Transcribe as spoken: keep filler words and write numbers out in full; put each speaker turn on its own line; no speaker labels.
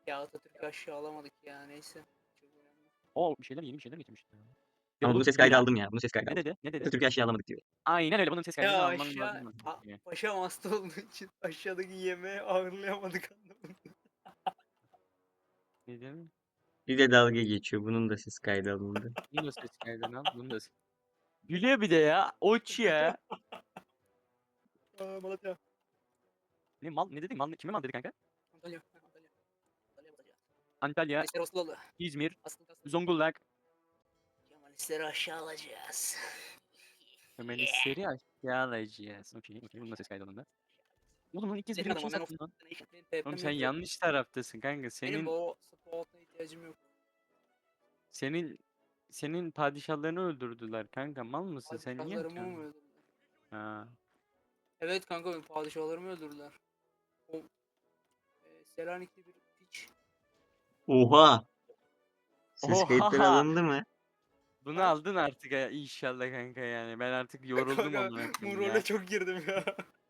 Ya Atatürk'ü aşağı alamadık ya neyse. Çok önemli.
O bir şeyler yeni bir şeyler getirmişti.
Ama bunu
Dedikodu
ses
bu
kaydı
yani.
aldım ya. Bunu ses kaydı
Ne
aldım.
dedi? Ne dedi?
Atatürk'ü aşağı alamadık diyor.
Aynen öyle. Bunun ses kaydını
Ya
alman
aşağı
lazım.
a, paşam hasta olduğu için aşağıdaki yemeği ağırlayamadık anlamında.
Ne diyeyim?
Bir de dalga geçiyor. Bunun da ses kaydı alındı.
Bunun da ses kaydını al. Bunun da ses. Gülüyor bir de ya. Oç ya.
Aa, Malatya.
Ne mal ne dedin? Mal kime mal dedi kanka?
Antalya. Ha, Antalya. Antalya Malatya.
Antalya,
Kemalistler Osloğlu.
İzmir,
Asıl asıl.
Zonguldak.
Kemalistleri aşağı alacağız.
Kemalistleri aşağı alacağız. Okey, okey. Bunun da ses kaydı alındı. Oğlum lan ilk kez
Senin
biri bir şey
adamın ben
sattın lan.
of Nation benim T
Oğlum
P'm
sen
yok.
yanlış taraftasın kanka.
Benim
Senin
o spot'a ihtiyacım yok.
senin senin padişahlarını öldürdüler kanka. Mal mısın? Sen niye
Padişahlarımı mı
yapıyorsun?
öldürdüler?
Ha.
Evet kanka benim padişahlarımı öldürdüler. O e, Selanik'te bir piç.
Oha! Ses kayıtları
Oha!
alındı mı?
Bunu
Ha?
aldın artık ya inşallah kanka yani. Ben artık yoruldum
Kanka
amına
bu
koyayım
role
ya.
çok girdim ya.